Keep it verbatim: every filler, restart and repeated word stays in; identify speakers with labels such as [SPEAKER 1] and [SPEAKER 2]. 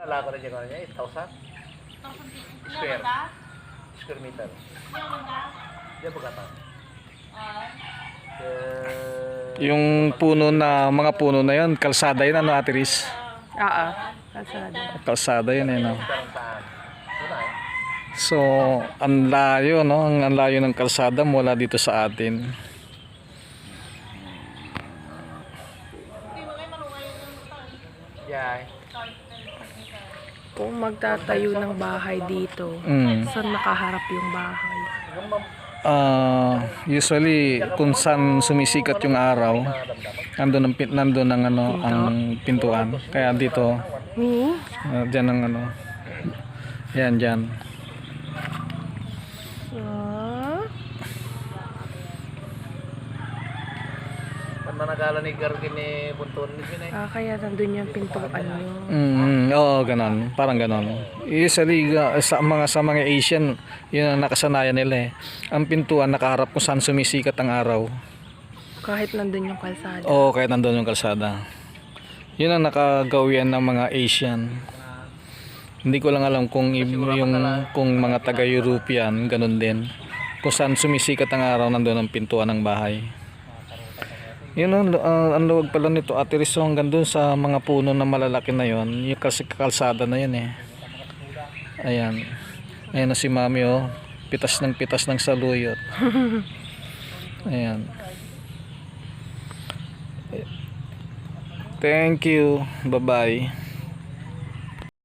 [SPEAKER 1] Wala ko rin yung ano niya, eight thousand square square meter. Diyan ba kata?
[SPEAKER 2] Yung puno na, mga puno na yun, kalsada yun, ano, Ate Riz?
[SPEAKER 3] Oo, kalsada.
[SPEAKER 2] Kalsada yun, eh, no?
[SPEAKER 1] Saan saan? Doon na eh.
[SPEAKER 2] So, ang layo, no? Ang ang layo ng kalsada mula dito sa atin.
[SPEAKER 1] Yeah.
[SPEAKER 3] Kung magtatayo ng bahay dito,
[SPEAKER 2] Mm.
[SPEAKER 3] saan nakaharap yung bahay?
[SPEAKER 1] Yung mam-
[SPEAKER 2] Ah, usually kung saan sumisikat yung araw, nandun ang pin- nandun ang ano, ang pintuan. Kaya dito,
[SPEAKER 3] Hmm?
[SPEAKER 2] uh, diyan ang ano. Yan diyan.
[SPEAKER 3] Ah?
[SPEAKER 1] Pan managala ni Gargin ni Bunton ni Binay.
[SPEAKER 3] Ah, kaya nandun yung pintuan nyo.
[SPEAKER 2] Mm, oo, ganon. Parang ganon. Usually uh, sa mga sa mga Asian, yun ang nakasanayan nila eh. Ang pintuan nakaharap kung saan sumisikat ang araw.
[SPEAKER 3] Kahit nandun yung kalsada.
[SPEAKER 2] Oo, kahit nandun yung kalsada. Yun ang nakagawian ng mga Asian. Hindi ko lang alam kung i- yung kung mga taga-European ganun din. Kung saan sumisikat ang araw nandun ang pintuan ng bahay. Yun ang, uh, ang luwag pala nito, Ate Riz, hanggang dun sa mga puno na malalaki na yon, yung kasi kalsada na yun eh. Ayan. Ayan na si Mami, oh. Pitas ng pitas ng saluyot. Ayan. Thank you. Bye-bye.